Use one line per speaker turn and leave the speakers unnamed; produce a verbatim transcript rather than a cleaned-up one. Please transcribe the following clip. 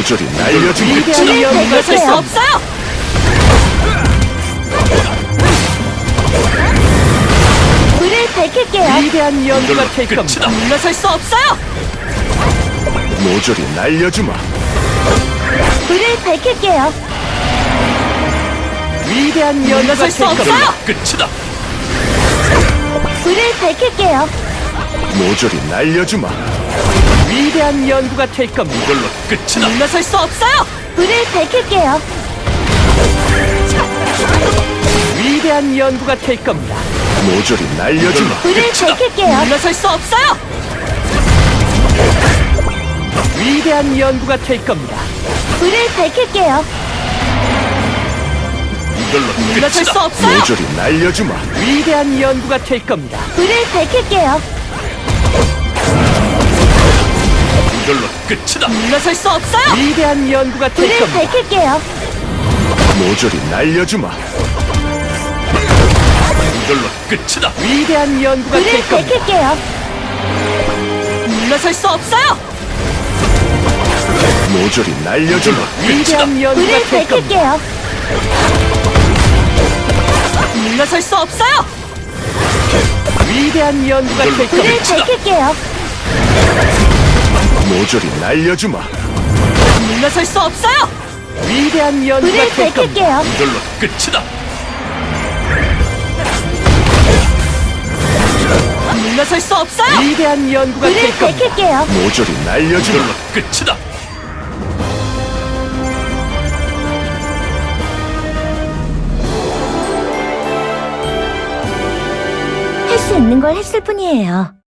모조리 날려주마.
위대한
불을
연구가
물러설 수
될까?
없어요.
불을 밝힐게요.
위대한 연구가 될
끝이다.
겁니다.
물러설 수 없어요.
모조리 날려주마.
불을 밝힐게요.
위대한 연구가
물러설 수
될 겁니다.
없어요.
끝이다.
불을 밝힐게요.
모조리 날려주마.
위대한 연구가 될 겁니다.
이걸로 끝이다.
물러설 수 없어요.
불을 밝힐게요.
위대한 연구가 될 겁니다.
모조리 날려주마.
불을 밝힐게요.
물러설 수 없어요.
위대한 연구가 될 겁니다.
불을 밝힐게요.
이걸로
물러설 수
끝이다.
없어요.
모조리 날려주마.
위대한 연구가 될 겁니다.
불을 밝힐게요.
이걸로 끝이다.
물러설 수 없어요.
위대한 연구가 될
불을
겁니다.
밝힐게요.
모조리 날려주마. 이걸로 끝이다.
위대한 연구가
불을
될 겁니다.
밝힐게요.
물러설 수 없어요.
모조리 날려주마. 끝이다.
위대한 연구가
불을
될 겁니다.
밝힐게요.
물러설 수 없어요.
위대한 연구가 될
불을
겁니다.
밝힐게요.
모조리 날려주마.
물러설 수 없어요.
위대한 연구가
불을
될 겁니다.
밝힐게요.
이걸로 끝이다.
물러설 수 없어요.
위대한 연구가
불을
될 겁니다.
밝힐게요.
모조리 날려주마. 이걸로 끝이다.
할 수 있는 걸 했을 뿐이에요.